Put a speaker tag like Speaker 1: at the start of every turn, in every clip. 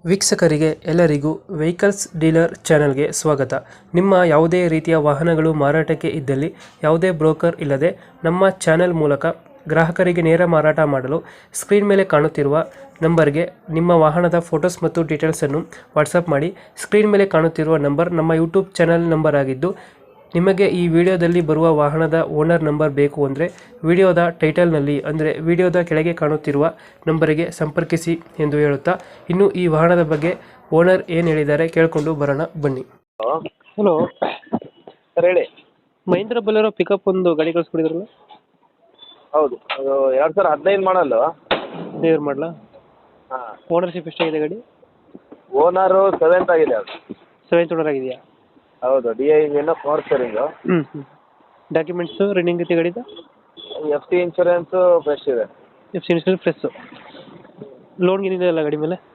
Speaker 1: ವೀಕ್ಷಕರಿಗೆ ಎಲ್ಲರಿಗೂ vehicles dealer ಚಾನೆಲ್ಗೆ ಸ್ವಾಗತ. ನಿಮ್ಮ ಯಾವುದೇ ರೀತಿಯ ವಾಹನಗಳು ಮಾರಾಟಕ್ಕೆ ಇದ್ದಲ್ಲಿ ಯಾವುದೇ ಬ್ರೋಕರ್ ಇಲ್ಲದೆ ನಮ್ಮ ಚಾನೆಲ್ ಮೂಲಕ ಗ್ರಾಹಕರಿಗೆ ನೇರ ಮಾರಾಟ ಮಾಡಲು ಸ್ಕ್ರೀನ್ ಮೇಲೆ ಕಾಣುತ್ತಿರುವ ನಂಬರ್ಗೆ ನಿಮ್ಮ ವಾಹನದ ಫೋಟೋಸ್ ಮತ್ತು ಡೀಟೇಲ್ಸನ್ನು ವಾಟ್ಸಪ್ ಮಾಡಿ. ಸ್ಕ್ರೀನ್ ಮೇಲೆ ಕಾಣುತ್ತಿರುವ ನಂಬರ್ ನಮ್ಮ ಯೂಟ್ಯೂಬ್ ಚಾನೆಲ್ ನಂಬರ್ ಆಗಿದ್ದು, ನಿಮಗೆ ಈ ವಿಡಿಯೋದಲ್ಲಿ ಬರುವ ವಾಹನದ ಓನರ್ ನಂಬರ್ ಬೇಕು ಅಂದರೆ ವಿಡಿಯೋದ ಟೈಟಲ್ನಲ್ಲಿ ಅಂದರೆ ವಿಡಿಯೋದ ಕೆಳಗೆ ಕಾಣುತ್ತಿರುವ ನಂಬರಿಗೆ ಸಂಪರ್ಕಿಸಿ ಎಂದು ಹೇಳುತ್ತಾ, ಇನ್ನು ಈ ವಾಹನದ ಬಗ್ಗೆ ಓನರ್ ಏನು ಹೇಳಿದ್ದಾರೆ ಕೇಳಿಕೊಂಡು ಬರೋಣ ಬನ್ನಿ. ಹಲೋ
Speaker 2: ಸರ್ ಹೇಳಿ.
Speaker 1: ಮಹೇಂದ್ರ ಬೊಲೆರೋ ಪಿಕಪ್ ಒಂದು ಗಾಡಿ ಕಳಿಸ್ಕೊಡಿದ್ರಲ್ಲ?
Speaker 2: ಹೌದು, ಅದು 2015 ಮಾಡಲು.
Speaker 1: ದೇವ್ರು ಮಾಡಲಾ?
Speaker 2: ಹಾಂ.
Speaker 1: ಓನರ್ಶಿಪ್ ಎಷ್ಟಾಗಿದೆ ಗಾಡಿ?
Speaker 2: ಓನರು 7th ಆಗಿದೆ ಅದು.
Speaker 1: 7th ಓನರ್ ಆಗಿದೆಯಾ?
Speaker 2: ಹೌದು, DI engine, power steering.
Speaker 1: Documents running ಐತೆ ಗಾಡಿದು?
Speaker 2: FT ಇನ್ಶೂರೆನ್ಸು ಫ್ರೆಶ್ ಇದೆ.
Speaker 1: FC insurance fresh. ಲೋನ್ ಏನಿದೆ ಅಲ್ಲ ಗಾಡಿ ಮೇಲೆ?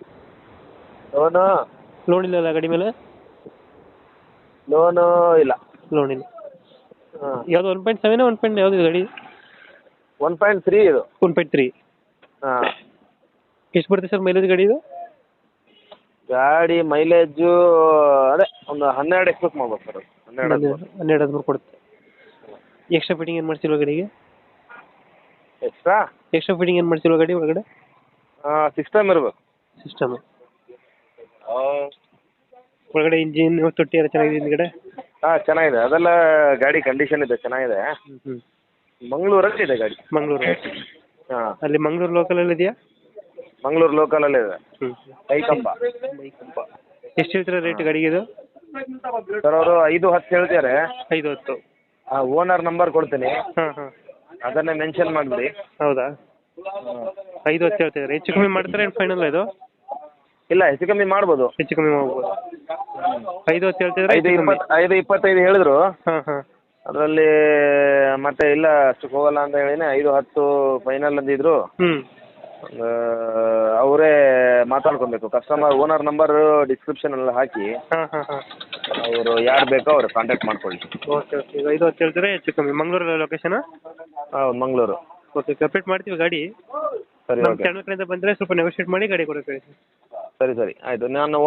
Speaker 1: ಲೋನ್ ಇಲ್ಲ ಅಲ್ಲ ಗಾಡಿ ಮೇಲೆ?
Speaker 2: ಲೋನು ಇಲ್ಲ.
Speaker 1: ಲೋನ್ ಇಲ್ಲ.
Speaker 2: ಹಾಂ.
Speaker 1: ಯಾವುದು 1.7 1. ಯಾವುದು ಗಾಡಿ?
Speaker 2: 1.3 ಇದು.
Speaker 1: 1.3.
Speaker 2: ಹಾಂ.
Speaker 1: ಎಷ್ಟು ಬರುತ್ತೆ ಸರ್ ಮೈಲೇಜ್ ಗಾಡಿ ಇದು?
Speaker 2: ಗಾಡಿ ಮೈಲೇಜು ಅದೇ ಒಂದು 12 ಎಕ್ಸ್ಪೆಕ್ಟ್ ಮಾಡ್ಬೋದು ಸರ್.
Speaker 1: 12-13 ಕೊಡುತ್ತೆ. ಎಕ್ಸ್ಟ್ರಾ ಫಿಟ್ಟಿಂಗ್ ಏನು ಮಾಡ್ಸಿಲ್ವ ಗಾಡಿಗೆ? ಎಕ್ಸ್ಟ್ರಾ ಫಿಟ್ಟಿಂಗ್ ಏನು ಮಾಡ್ಸಿಲ್ವ ಗಾಡಿ ಒಳಗಡೆ?
Speaker 2: ಸಿಸ್ಟಮ್ ಇರಬೇಕು.
Speaker 1: ಸಿಸ್ಟಮ್ ಒಳಗಡೆ ಇಂಜಿನ್ ತೊಟ್ಟಿ ಎಲ್ಲ ಚೆನ್ನಾಗಿದೆ ಹಿಂದ್ಗಡೆ?
Speaker 2: ಹಾಂ, ಚೆನ್ನಾಗಿದೆ. ಅದೆಲ್ಲ ಗಾಡಿ ಕಂಡೀಷನ್ ಇದೆ, ಚೆನ್ನಾಗಿದೆ. ಮಂಗಳೂರಲ್ಲಿ ಇದೆ ಗಾಡಿ.
Speaker 1: ಮಂಗಳೂರು?
Speaker 2: ಹಾಂ.
Speaker 1: ಅಲ್ಲಿ ಮಂಗಳೂರು ಲೋಕಲಲ್ಲಿ ಇದೆಯಾ?
Speaker 2: ಮಂಗಳೂರು ಲೋಕಲಲ್ಲಿ ಇದೆ. ಕೈಕಂಬ.
Speaker 1: ಎಷ್ಟು ಹೇಳ್ತೀರಾ ರೇಟ್ ಗಾಡಿಗೆ ಇದು?
Speaker 2: ಸರ್ ಅವರು 5-10 ಹೇಳ್ತಾರೆ.
Speaker 1: 5-10.
Speaker 2: ಓನರ್ ನಂಬರ್ ಕೊಡ್ತೀನಿ,
Speaker 1: ಹಾಂ.
Speaker 2: ಅದನ್ನೇ ಮೆನ್ಷನ್ ಮಾಡಿಬಿಡಿ.
Speaker 1: ಹೌದಾ? 5-10 ಹೇಳ್ತಿದ್ದಾರೆ. ಹೆಚ್ಚು ಕಮ್ಮಿ ಮಾಡ್ತಾರೆ ಏನು ಫೈನಲ್ ಇದು?
Speaker 2: ಇಲ್ಲ, ಹೆಚ್ಚು ಕಮ್ಮಿ ಮಾಡ್ಬೋದು.
Speaker 1: ಹೆಚ್ಚು ಕಮ್ಮಿ ಮಾಡ್ಬೋದು. 5-10 ಹೇಳ್ತಿದ್ರೆ
Speaker 2: 5-25 ಹೇಳಿದ್ರು.
Speaker 1: ಹಾಂ.
Speaker 2: ಅದರಲ್ಲಿ ಮತ್ತೆ ಇಲ್ಲ ಅಷ್ಟಕ್ಕೆ ಹೋಗಲ್ಲ ಅಂತ ಹೇಳಿನೇ 5-10 ಫೈನಲ್ ಅಂದಿದ್ರು. ಅವರೇ ಮಾತಾಡ್ಕೊಬೇಕು. ಕಸ್ಟಮರ್ ಓನರ್ ನಂಬರ್ ಡಿಸ್ಕ್ರಿಪ್ಷನ್ ಎಲ್ಲ ಹಾಕಿ ಅವರು ಯಾರು ಬೇಕೋ ಅವ್ರು ಕಾಂಟ್ಯಾಕ್ಟ್ ಮಾಡ್ಕೊಳ್ಳಿ.
Speaker 1: ಓಕೆ. ಈಗ 5-10 ಹೇಳ್ತಾರೆ, ಹೆಚ್ಚು ಕಮ್ಮಿ. ಮಂಗಳೂರು ಲೊಕೇಶನ್?
Speaker 2: ಹೌದು, ಮಂಗಳೂರು.
Speaker 1: ಓಕೆ, ಕಂಪ್ಲೀಟ್ ಮಾಡ್ತೀವಿ ಗಾಡಿ.
Speaker 2: ಸರಿ,
Speaker 1: ನಮ್ಮ
Speaker 2: ಓಕೆ.
Speaker 1: ಚಾನಲ್ ಕಡೆಯಿಂದ ಬಂದರೆ ಸ್ವಲ್ಪ ನೆಗೋಷಿಯೇಟ್ ಮಾಡಿ ಗಾಡಿ ಕೊಡೋಕೆ.
Speaker 2: ಸರಿ ಆಯಿತು. ನಾನು